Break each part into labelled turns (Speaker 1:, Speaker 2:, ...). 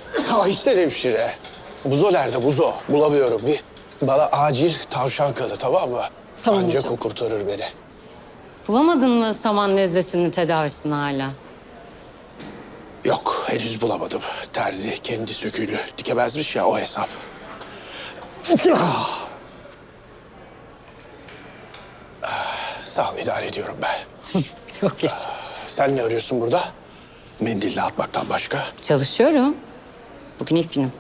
Speaker 1: Aysel hemşire. Buzo nerede Buzo? Bulamıyorum. Bir bana acil tavşan kanı, tamam mı?
Speaker 2: Tamam
Speaker 1: Ancak
Speaker 2: hocam.
Speaker 1: o kurtarır beni.
Speaker 2: Bulamadın mı saman nezlesinin tedavisini hala?
Speaker 1: Yok, henüz bulamadım. Terzi kendi söküğünü dikemezmiş ya, o hesap. Sağ ol, idare ediyorum ben.
Speaker 2: Çok yaşa.
Speaker 1: Sen ne arıyorsun burada? Mendille atmaktan başka.
Speaker 2: Çalışıyorum. Bugün ilk günüm.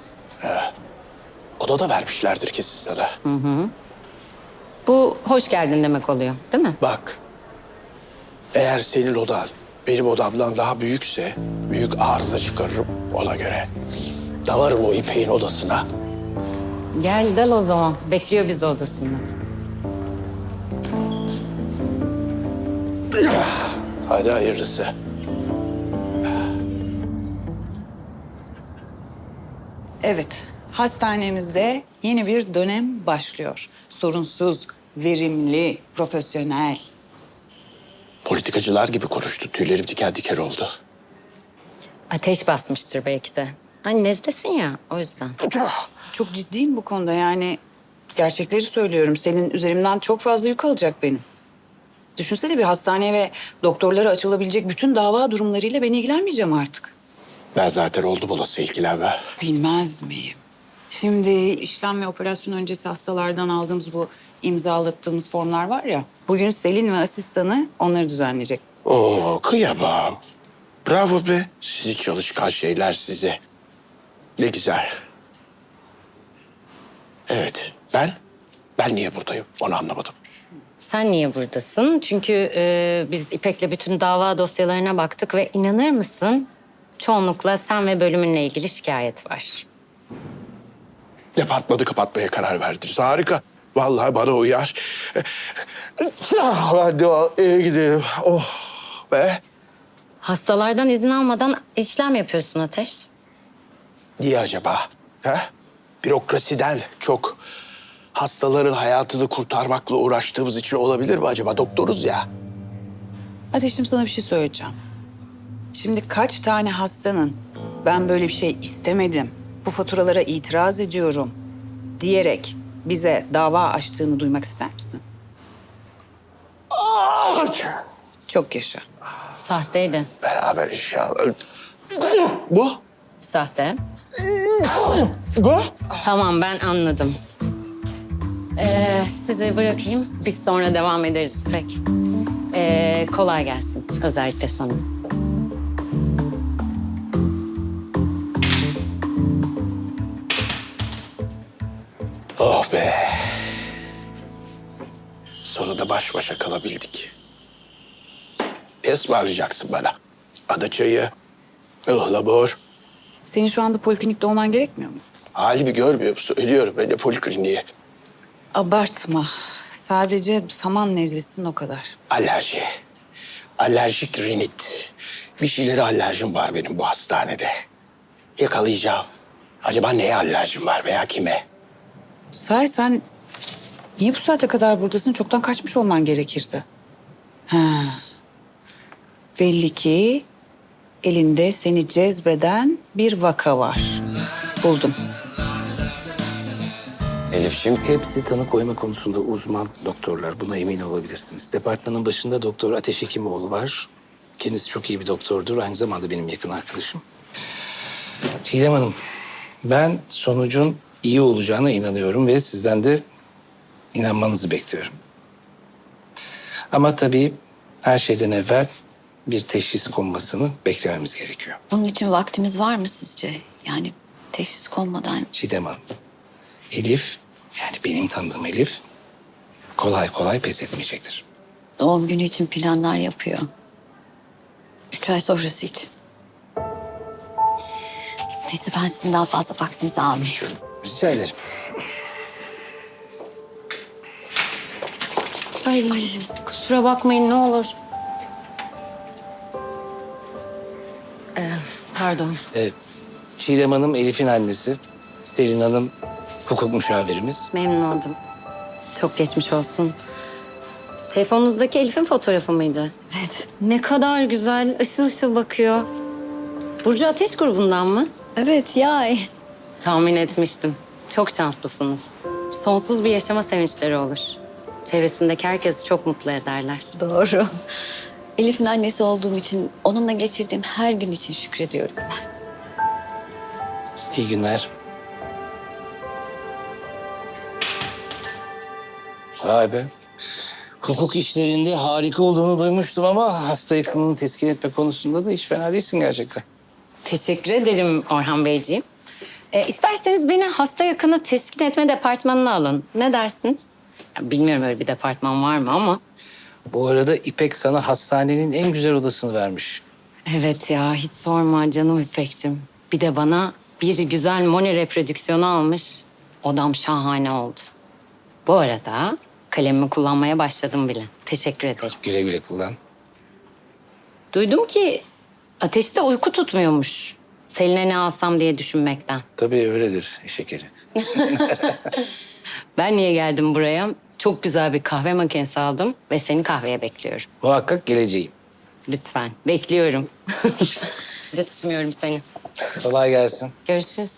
Speaker 1: Odada vermişlerdir kesin sana.
Speaker 2: Bu hoş geldin demek oluyor, değil mi?
Speaker 1: Bak, eğer senin odan benim odamdan daha büyükse büyük arıza çıkarırım ona göre. Dalarım o İpek'in odasına.
Speaker 2: Gel dal o zaman. Bekliyor bizi odasında.
Speaker 1: Hadi hayırlısı.
Speaker 3: Evet, hastanemizde yeni bir dönem başlıyor. Sorunsuz, verimli, profesyonel.
Speaker 1: Politikacılar gibi konuştu. Tüylerim diken diken oldu.
Speaker 2: Ateş basmıştır belki de. Hani nezlesin ya, o yüzden.
Speaker 3: Çok ciddiyim bu konuda yani. Gerçekleri söylüyorum. Senin üzerimden çok fazla yük alacak benim. Düşünsene bir hastaneye ve doktorlara açılabilecek bütün dava durumlarıyla ben ilgilenmeyeceğim artık.
Speaker 1: Ben zaten oldum olası ilgilenme.
Speaker 3: Bilmez miyim? Şimdi işlem ve operasyon öncesi hastalardan aldığımız bu imzalattığımız formlar var ya. Bugün Selin ve asistanı onları düzenleyecek.
Speaker 1: Oo, kıyamam. Bravo be. Sizi çalışkan şeyler size. Ne güzel. Evet, ben niye buradayım onu anlamadım.
Speaker 2: Sen niye buradasın? Çünkü biz İpek'le bütün dava dosyalarına baktık ve inanır mısın? Çoğunlukla sen ve bölümünle ilgili şikayet var.
Speaker 1: Departmanı kapatmaya karar verdiniz. Harika. Vallahi bana uyar. Hadi eve gidelim. Oh be.
Speaker 2: Hastalardan izin almadan işlem yapıyorsun Ateş.
Speaker 1: Niye acaba? Ha? Bürokrasiden çok hastaların hayatını kurtarmakla uğraştığımız için olabilir mi acaba? Doktoruz ya.
Speaker 3: Ateşim sana bir şey söyleyeceğim. Şimdi kaç tane hastanın ben böyle bir şey istemedim, bu faturalara itiraz ediyorum diyerek bize dava açtığını duymak ister misin? Çok yaşa.
Speaker 2: Sahteydi.
Speaker 1: Beraber inşallah. Bu?
Speaker 2: Sahte.
Speaker 1: Bu?
Speaker 2: Tamam ben anladım. Sizi bırakayım. Biz sonra devam ederiz pek. Kolay gelsin. Özellikle sana.
Speaker 1: Oh be. Sonunda baş başa kalabildik. Ne ısmarlayacaksın bana? Ada çayı, ıhlamur.
Speaker 3: Senin şu anda poliklinikte olman gerekmiyor mu?
Speaker 1: Halimi görmüyor musun? Ölüyorum ben de polikliniğe.
Speaker 3: Abartma. Sadece saman nezlesin o kadar.
Speaker 1: Alerji. Alerjik rinit. Bir şeylere alerjim var benim bu hastanede. Yakalayacağım. Acaba neye alerjim var veya kime?
Speaker 3: Sahi sen niye bu saate kadar buradasın? Çoktan kaçmış olman gerekirdi. Ha. Belli ki elinde seni cezbeden bir vaka var. Buldum.
Speaker 1: Elif'ciğim.
Speaker 4: Hepsi tanı koyma konusunda uzman doktorlar. Buna emin olabilirsiniz. Departmanın başında Doktor Ateş Hekimoğlu var. Kendisi çok iyi bir doktordur. Aynı zamanda benim yakın arkadaşım. Çiğdem Hanım, ben sonucun iyi olacağına inanıyorum ve sizden de inanmanızı bekliyorum. Ama tabii her şeyden evvel bir teşhis konmasını beklememiz gerekiyor.
Speaker 5: Bunun için vaktimiz var mı sizce? Yani teşhis konmadan.
Speaker 4: Çiğdem Hanım, Elif, yani benim tanıdığım Elif kolay kolay pes etmeyecektir.
Speaker 5: Doğum günü için planlar yapıyor. 3 ay sonrası için. Neyse ben sizin daha fazla vaktinizi almayayım.
Speaker 4: Rica ederim.
Speaker 2: Ay, kusura bakmayın ne olur. Pardon.
Speaker 4: Çiğdem Hanım Elif'in annesi. Selin Hanım hukuk müşavirimiz.
Speaker 2: Memnun oldum. Çok geçmiş olsun. Telefonunuzdaki Elif'in fotoğrafı mıydı?
Speaker 5: Evet.
Speaker 2: Ne kadar güzel, ışıl ışıl bakıyor. Burcu Ateş grubundan mı?
Speaker 5: Evet ya.
Speaker 2: Tahmin etmiştim. Çok şanslısınız. Sonsuz bir yaşama sevinçleri olur. Çevresindeki herkesi çok mutlu ederler.
Speaker 5: Doğru. Elif'in annesi olduğum için, onunla geçirdiğim her gün için şükrediyorum ben.
Speaker 4: İyi günler. Vay be. Hukuk işlerinde harika olduğunu duymuştum ama hasta yakınını teskin etme konusunda da hiç fena değilsin gerçekten.
Speaker 2: Teşekkür ederim Orhan Beyciğim. İsterseniz beni hasta yakını teskin etme departmanına alın. Ne dersiniz? Ya, bilmiyorum öyle bir departman var mı ama.
Speaker 4: Bu arada İpek sana hastanenin en güzel odasını vermiş.
Speaker 2: Evet ya hiç sorma canım İpek'cim. Bir de bana bir güzel moni reprodüksiyonu almış. Odam şahane oldu. Bu arada kalemimi kullanmaya başladım bile. Teşekkür ederim.
Speaker 4: Güle güle kullan.
Speaker 2: Duydum ki Ateş'te uyku tutmuyormuş. Selin'e ne alsam diye düşünmekten.
Speaker 4: Tabii öyledir şekeri.
Speaker 2: Ben niye geldim buraya? Çok güzel bir kahve makinesi aldım ve seni kahveye bekliyorum.
Speaker 4: Muhakkak geleceğim.
Speaker 2: Lütfen, bekliyorum. Hadi tutmuyorum seni.
Speaker 4: Kolay gelsin.
Speaker 2: Görüşürüz.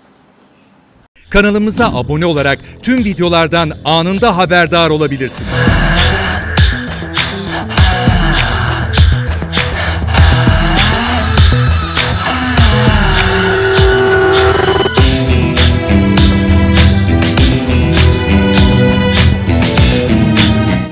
Speaker 6: Kanalımıza abone olarak tüm videolardan anında haberdar olabilirsiniz.